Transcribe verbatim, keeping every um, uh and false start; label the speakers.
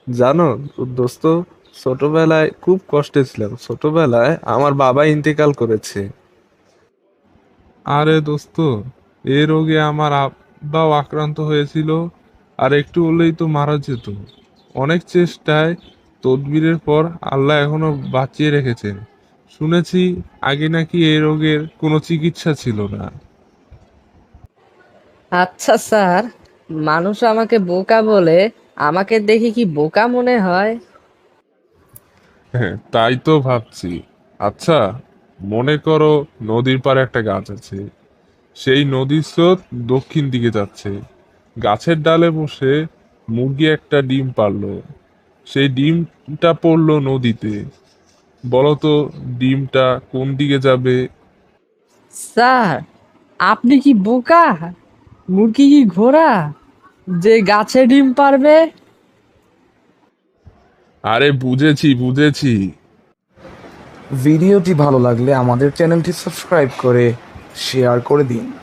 Speaker 1: জানো দোস্ত, ছোটবেলায় খুব কষ্টে ছিলাম। ছোটবেলায় আমার বাবা ইন্তেকাল করেছে।
Speaker 2: আরে দোস্ত, এ রোগে আমার আব্বাও আক্রান্ত হয়েছিল। আর একটু হলেই তো মারা যেত। অনেক চেষ্টায় তদবিরের পর আল্লাহ এখনো বাঁচিয়ে রেখেছেন। শুনেছি আগে নাকি এই রোগের কোনো চিকিৎসা ছিল না।
Speaker 3: আচ্ছা স্যার, মানুষ আমাকে বোকা বলে, আমাকে দেখে কি বোকা মনে হয়?
Speaker 2: হ্যাঁ, তাই তো ভাবছি। আচ্ছা, মনে করো নদীর পাড়ে একটা গাছ আছে। সেই নদীর স্রোত দক্ষিণ দিকে যাচ্ছে। গাছের ডালে বসে মুরগি একটা ডিম পারলো। সেই ডিমটা পড়লো নদীতে। বলো তো, ডিমটা কোন দিকে যাবে?
Speaker 3: স্যার, আপনি কি বোকা? মুরগি কি ঘোড়া যে গাছে ডিম পারবে?
Speaker 2: আরে বুঝেছি বুঝেছি।
Speaker 4: ভিডিওটি ভালো লাগলে আমাদের চ্যানেলটি সাবস্ক্রাইব করে শেয়ার করে দিন।